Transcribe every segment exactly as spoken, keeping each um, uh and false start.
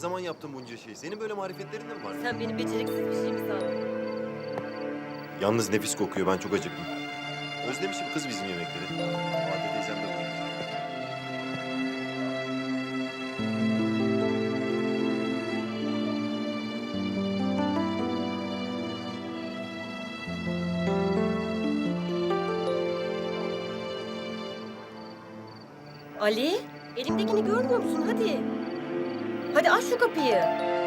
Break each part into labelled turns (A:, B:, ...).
A: zaman yaptın bunca şeyi? Senin böyle marifetlerin de mi var?
B: Sen beni beceriksiz bir şey mi sandın?
A: Yalnız nefis kokuyor. Ben çok acıktım. Özlemişim kız bizim yemekleri. Vade teyzem de buyurdu.
B: Ali, elimdekini görmüyor musun? Hadi. Hadi aç şu kapıyı.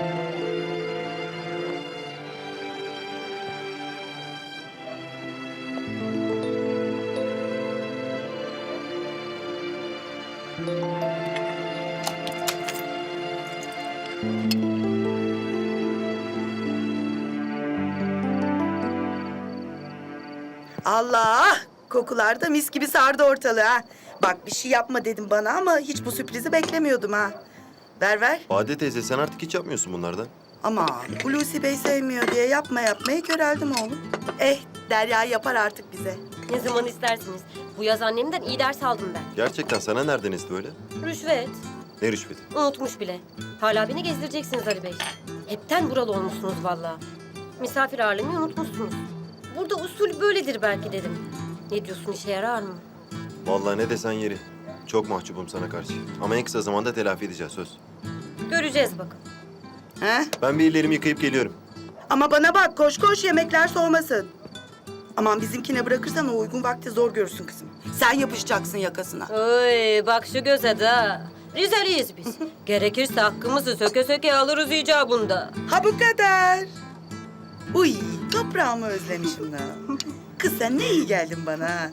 C: Allah! Kokular da mis gibi sardı ortalığı ha. Bak bir şey yapma dedim bana ama hiç bu sürprizi beklemiyordum ha. Ver ver.
A: Vade teyze sen artık hiç yapmıyorsun bunlardan.
C: Aman Hulusi Bey sevmiyor diye yapma yapmaya köreldim oğlum. Eh Derya yapar artık bize.
B: Ne zaman isterseniz. Bu yaz annemden iyi ders aldım ben.
A: Gerçekten sana nereden esti öyle?
B: Rüşvet.
A: Ne rüşveti?
B: Unutmuş bile. Hala beni gezdireceksiniz Ali Bey. Hepten buralı olmuşsunuz vallahi. Misafir ağırlamayı unutmuşsunuz. Burada usul böyledir belki dedim. Ne diyorsun, işe yarar mı?
A: Vallahi ne desen yeri. Çok mahcubum sana karşı. Ama en kısa zamanda telafi edeceğiz söz.
B: Göreceğiz bakalım.
C: He?
A: Ben bir ellerimi yıkayıp geliyorum.
C: Ama bana bak koş koş yemekler soğumasın. Aman bizimkine bırakırsan o uygun vakti zor görürsün kızım. Sen yapışacaksın yakasına.
B: Oy bak şu göze de. Rizeliyiz biz. Gerekirse hakkımızı söke söke alırız icabında.
C: Ha bu kadar. Uy toprağımı özlemişim da. Kız sen ne iyi geldin bana ha.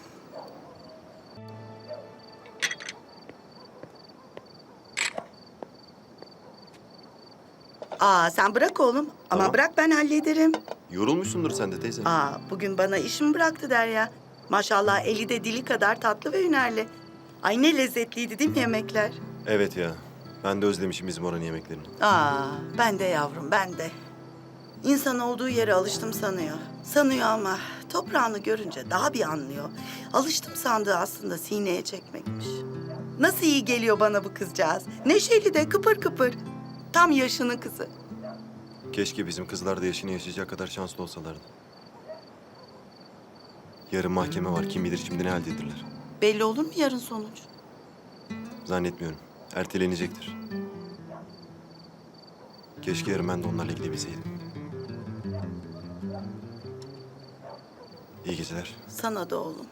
C: Aa sen bırak oğlum. Ama
A: Tamam.
C: bırak ben hallederim.
A: Yorulmuşsundur sen de teyze.
C: Aa bugün bana işimi bıraktı Derya. Maşallah eli de dili kadar tatlı ve hünerli. Ay ne lezzetliydi değil mi yemekler?
A: Evet ya. Ben de özlemişim bizim oranın yemeklerini.
C: Aa ben de yavrum ben de. İnsan olduğu yere alıştım sanıyor. Sanıyor ama toprağını görünce daha bir anlıyor. Alıştım sandığı aslında sineye çekmekmiş. Nasıl iyi geliyor bana bu kızcağız. Neşeli de kıpır kıpır. Tam yaşının kızı.
A: Keşke bizim kızlar da yaşını yaşayacak kadar şanslı olsalardı. Yarın mahkeme var. Kim bilir şimdi ne haldedirler.
C: Belli olur mu yarın sonuç?
A: Zannetmiyorum. Ertelenecektir. Keşke yarın ben de onlarla gidebilseydim. İyi geceler.
C: Sana da oğlum.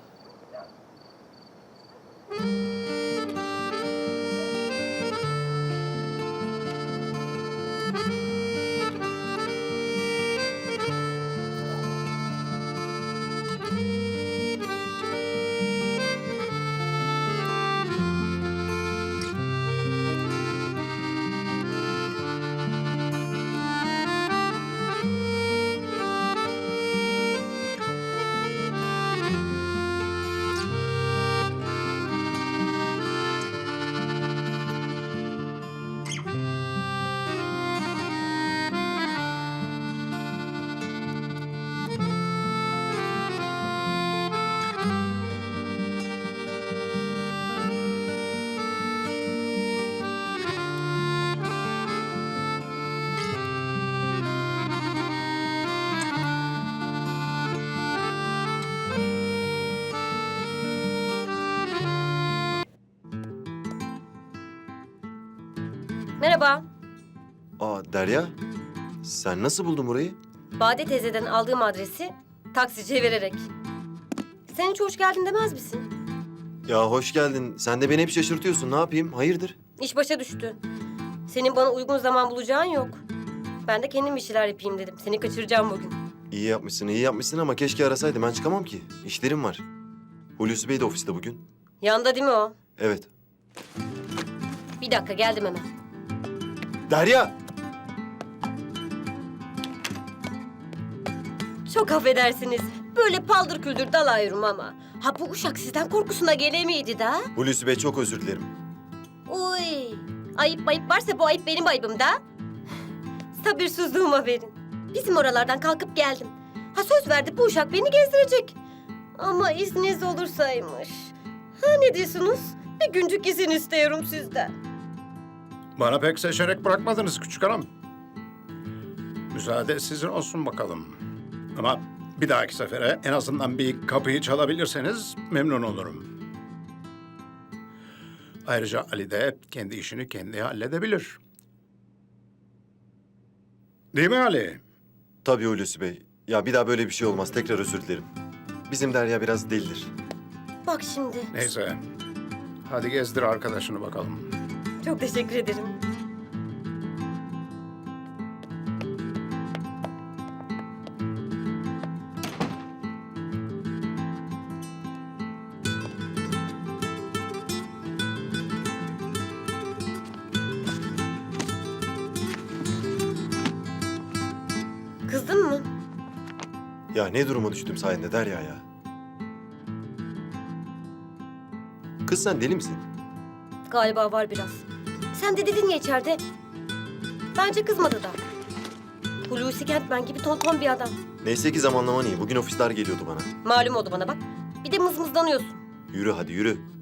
B: Merhaba.
A: Aa Derya. Sen nasıl buldun burayı?
B: Bade teyzeden aldığım adresi taksiciye vererek. Sen hiç hoş geldin demez misin?
A: Ya hoş geldin. Sen de beni hep şaşırtıyorsun. Ne yapayım? Hayırdır?
B: İş başa düştü. Senin bana uygun zaman bulacağın yok. Ben de kendim bir şeyler yapayım dedim. Seni kaçıracağım bugün.
A: İyi yapmışsın, iyi yapmışsın ama keşke arasaydım. Ben çıkamam ki. İşlerim var. Hulusi Bey de ofiste bugün.
B: Yanda değil mi o?
A: Evet.
B: Bir dakika geldim hemen.
A: Derya!
B: Çok affedersiniz. Böyle paldır küldür dalayırım ama. Ha bu uşak sizden korkusuna gelemiydi da.
A: Hulusi Bey çok özür dilerim.
B: Uy. Ayıp ayıp varsa bu ayıp benim ayıbım da. Sabırsızlığıma verin. Bizim oralardan kalkıp geldim. Ha söz verdi bu uşak beni gezdirecek. Ama izniniz olursaymış. Ha ne diyorsunuz? Bir güncük izin istiyorum sizden.
D: Bana pek seçenek bırakmadınız küçük hanım. Müsaade sizin olsun bakalım. Ama bir dahaki sefere en azından bir kapıyı çalabilirseniz memnun olurum. Ayrıca Ali de kendi işini kendi halledebilir. Değil mi Ali?
A: Tabii Hulusi Bey. Ya bir daha böyle bir şey olmaz. Tekrar özür dilerim. Bizim Derya biraz delidir.
B: Bak şimdi.
D: Neyse. Hadi gezdir arkadaşını bakalım.
B: Çok teşekkür ederim. Kızdın mı?
A: Ya ne duruma düştüm sayende Derya ya. Kız sen deli misin?
B: Galiba var biraz. Sen de dedin ya içeride. Bence kızmadı da. Hulusi Kentmen gibi tonton bir adam.
A: Neyse ki zamanlaman iyi. Bugün ofisler geliyordu bana.
B: Malum oldu bana bak. Bir de mızmızlanıyorsun.
A: Yürü hadi yürü.